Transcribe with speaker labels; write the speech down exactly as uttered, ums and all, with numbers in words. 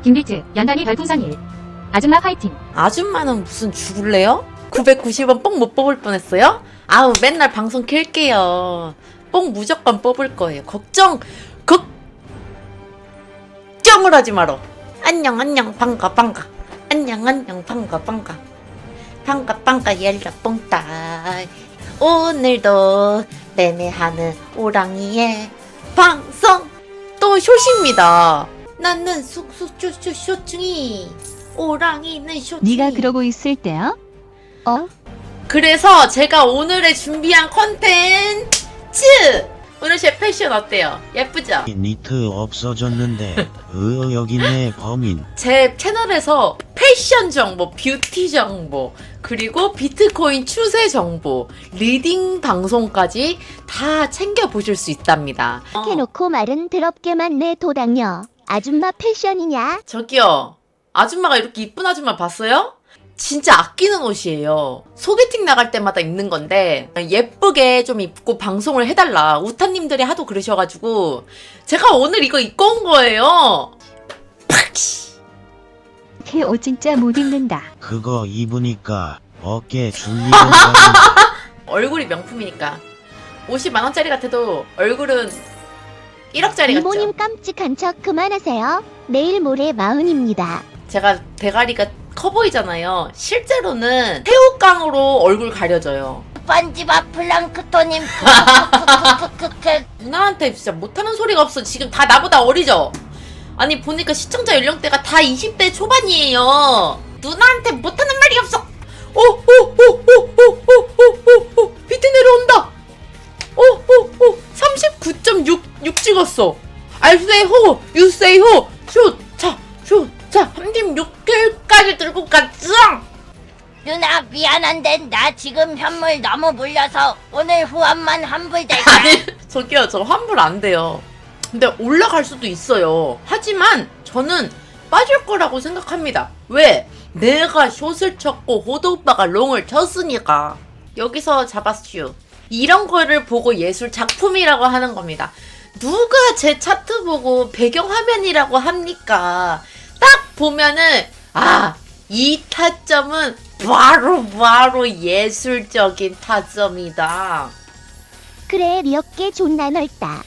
Speaker 1: 김비트, 연단이 별풍선 일. 아줌마 파이팅.
Speaker 2: 아줌마는 무슨 죽을래요? 구백구십 원 뽕 못 뽑을 뻔했어요? 아우 맨날 방송 킬게요. 뽕 무조건 뽑을 거예요. 걱정 걱정을 하지 마라. 안녕 안녕 반가 반가. 안녕 안녕 반가 반가. 반가 반가 열려 뽕따. 오늘도 매매하는 오랑이의 방송 또 쇼시입니다. 나는 숙숙쇼쇼 쇼충이 오랑이는 쇼충이.
Speaker 3: 네가 그러고 있을 때야? 어?
Speaker 2: 그래서 제가 오늘의 준비한 컨텐츠! 오늘 제 패션 어때요? 예쁘죠?
Speaker 4: 니트 없어졌는데 으 여기 있네 범인.
Speaker 2: 제 채널에서 패션 정보, 뷰티 정보, 그리고 비트코인 추세 정보, 리딩 방송까지 다 챙겨보실 수 있답니다. 어,
Speaker 5: 해놓고 말은 더럽게만 내 도당녀. 아줌마 패션이냐?
Speaker 2: 저기요, 아줌마가 이렇게 이쁜 아줌마 봤어요? 진짜 아끼는 옷이에요. 소개팅 나갈 때마다 입는 건데 예쁘게 좀 입고 방송을 해달라. 우타님들이 하도 그러셔가지고 제가 오늘 이거 입고 온 거예요.
Speaker 3: 걔 옷 진짜 못 입는다.
Speaker 4: 그거 입으니까 어깨 줄리던가.
Speaker 2: 얼굴이 명품이니까 오십만 원짜리 같아도 얼굴은 일억짜리 같죠?
Speaker 5: 이모님 깜찍한 척 그만하세요. 내일 모레 마흔입니다.
Speaker 2: 제가 대가리가 커 보이잖아요. 실제로는 새우깡으로 얼굴 가려져요.
Speaker 5: 번지바 플랑크톤님 크크크크크크.
Speaker 2: 누나한테 진짜 못하는 소리가 없어. 지금 다 나보다 어리죠? 아니 보니까 시청자 연령대가 다 이십 대 초반이에요. 누나한테 못하는 말이 없어. 오오오오오오오오오 비트 내려온다. 오오오 삼십구 점 육 찍었어. I say ho, you say ho. 슛, 자, 슛, 자, 삼십육 개까지 들고 갔어.
Speaker 5: 누나 미안한데 나 지금 현물 너무 물려서 오늘 후원만 환불될까?
Speaker 2: 아니 저기요, 저 환불 안 돼요. 근데 올라갈 수도 있어요. 하지만 저는 빠질 거라고 생각합니다. 왜? 내가 숏을 쳤고 호도 오빠가 롱을 쳤으니까. 여기서 잡았슈. 이런 거를 보고 예술 작품이라고 하는 겁니다. 누가 제 차트 보고 배경화면이라고 합니까? 딱 보면은 아, 이 타점은 바로 바로 예술적인 타점이다.
Speaker 5: 그래 네 어깨 존나 넓다.